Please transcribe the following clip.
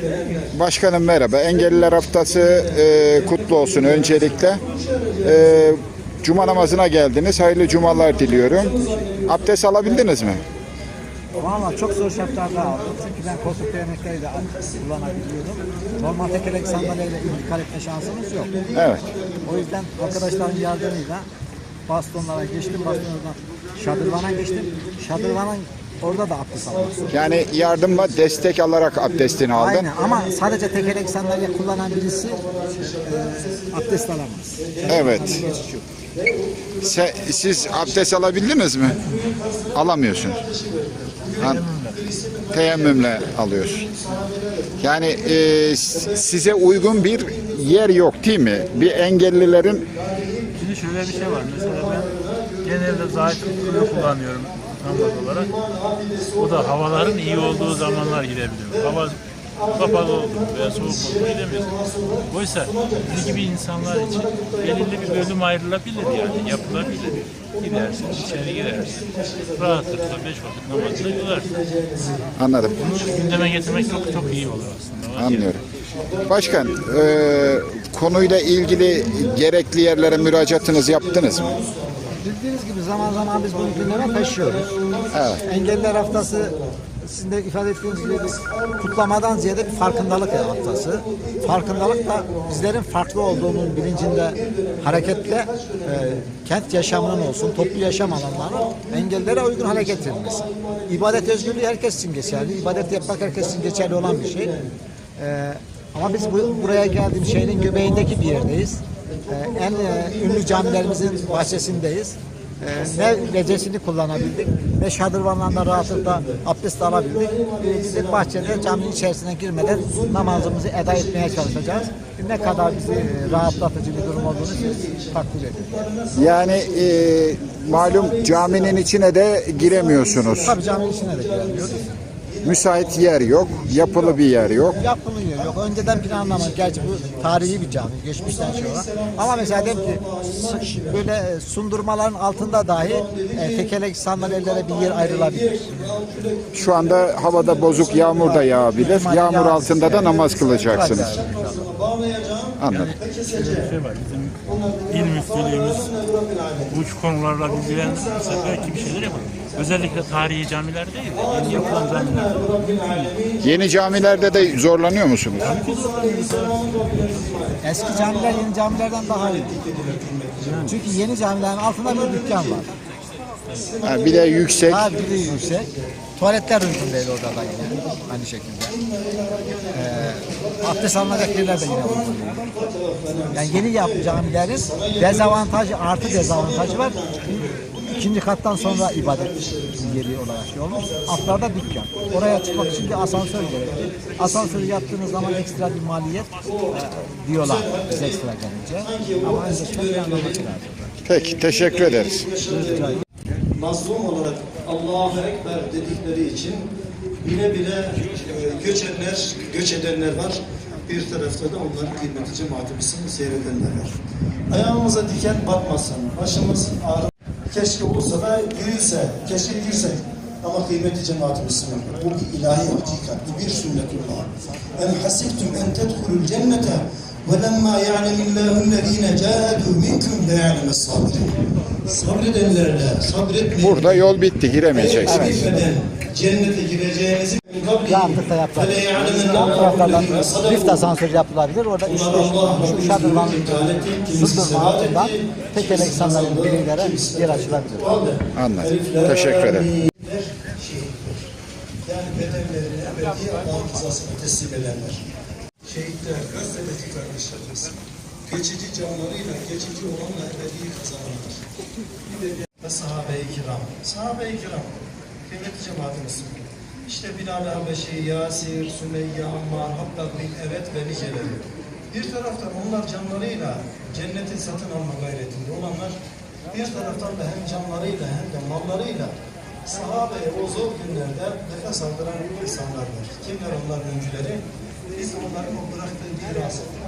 Başkanım merhaba. Engelliler Haftası kutlu olsun öncelikle. Cuma namazına geldiniz. Hayırlı cumalar diliyorum. Abdest alabildiniz mi? Valla çok zor şartlarda aldım. Çünkü ben koltuk değnekleri de kullanabiliyordum. Normal tekerlek sandalyeyle intikal etme şansımız yok. Evet. O yüzden arkadaşların yardımıyla bastonlara geçtim. Bastonlardan şadırvana geçtim. Şadırvanın orada da abdest alıyorsun. Yani yardımla destek alarak abdestini aldın. Aynen, ama sadece tekerlek sandalye kullanan birisi abdest alamaz. Evet. Siz abdest alabildiniz mi? Alamıyorsunuz. Teyemmümle alıyorsun. Yani size uygun bir yer yok değil mi? Bir engellilerin... Şimdi şöyle bir şey var. Mesela ben genelde zahit kullanıyorum namaz olarak. O da havaların iyi olduğu zamanlar gidebiliyorum. Hava kapalı oldu veya soğuk oldu gidemiyorsun. Oysa bizim gibi insanlar için belirli bir bölüm ayrılabilir, yani yapılabilir. Gidersin, içeri girersin. Rahatlıkla 5 vakit namazını kılarsın. Anladım. Bunu gündeme getirmek çok çok iyi olur aslında. Anlıyorum. Başkan, konuyla ilgili gerekli yerlere müracaatınızı yaptınız mı? Bildiğiniz gibi zaman zaman biz bunu gündeme taşıyoruz. Evet. Engelliler Haftası, sizin de ifade ettiğiniz gibi bir kutlamadan ziyade bir farkındalık haftası. Farkındalık da bizlerin farklı olduğunun bilincinde hareketle kent yaşamının olsun, toplu yaşam alanlarının engellilere uygun hale getirilmesi. İbadet özgürlüğü herkes için geçerli. İbadet yapmak herkes için geçerli olan bir şey. Ama biz buraya geldiğimiz şehrin göbeğindeki bir yerdeyiz. En ünlü camilerimizin bahçesindeyiz. Ne gecesini kullanabildik, ne şadırvanlarla rahatlıkla abdest alabildik. Biz bahçede caminin içerisine girmeden namazımızı eda etmeye çalışacağız. Ne kadar bizi rahatlatıcı bir durum olduğunu siz takdir edin. Yani malum caminin içine de giremiyorsunuz. Tabii caminin içine de giremiyoruz. Müsait yer yok, yapılı bir yer yok. Yapılı yer yok. Önceden planlama. Gerçi bu tarihi bir cami. Geçmişten şey olan. Ama mesela diyelim ki böyle sundurmaların altında dahi tekerlek sandalyelere bir yer ayrılabilir. Şu anda havada bozuk, yağmur da yağabilir. Yağmur altında da namaz kılacaksınız. Anladım. Şöyle bir şey var. Bizim il müftülüğümüz bu konularla bilgilendirirse belki bir şeyler yapar. Özellikle tarihi camiler değil de yeni yapılan camiler. Yeni camilerde de zorlanıyor musunuz? Eski camiler yeni camilerden daha iyi. Çünkü yeni camilerin altında bir dükkan var. Ha, bir de yüksek. Daha bir de yüksek. Tuvaletler uygun değil orada da yine. Aynı şekilde. Abdest alınacak yerler de yine uygun değil. Yani yeni yapı camilerin dezavantajı artı dezavantajı var. İkinci kattan sonra ibadet yeri olarak şey olmuş. Altlarda dükkan. Oraya çıkmak için bir asansör gerekli. Asansörü yaptığınız zaman ekstra bir maliyet diyorlar biz ekstra gelince. Ama öncesinde planlamak lazım. Peki, teşekkür ederiz. Mazlum olarak Allahu Ekber dedikleri için bile bile göç edenler var. Bir tarafta da onların kıymeti cemaatimizi seyredenler var. Ayağımıza diken batmasın, başımız ağrı. Keşke olsa da girilse, keşke girsek. Ama kıymeti cemaatimiz bu bir ilahi hakikat, bu bir sünnetullah. En hasibtum en tedhulul cennete ve lemma ya'lemillahü'llezine cahadu minkum ve ya'lemes sabirin. Sabredenlerle, sabretmeyin. Burada yol bitti, giremeyeceksiniz. Cennete gireceğinizi Rahatlıkla yapılır. Yan taraflardan lift asansörü yapılabilir. Orada şu şadırvanın sundurma altından tekerlek sandalyenin birilere yer açılabilir. Anladım. Teşekkür ederim. Yani bedenlerini ebedi Allah'ın rızasına teslim edenler. Şehitler, Gazze'deki kardeşlerimiz geçici canlarıyla, geçici olanla ebedi kazanırlar. Ve sahabe-i kiram. Sahabe-i kiram, kıymetli cemaatimiz. İşte Bilal Habeşi, Yasir, Sümeyye, Ammar, Hattab bin Evet ve niceleri. Bir taraftan onlar canlarıyla cenneti satın alma gayretinde olanlar, bir taraftan da hem canlarıyla hem de mallarıyla sahabeye o zor günlerde nefes aldıran insanlardır. Kimler onların öncüleri? Biz onların o bıraktığı mirası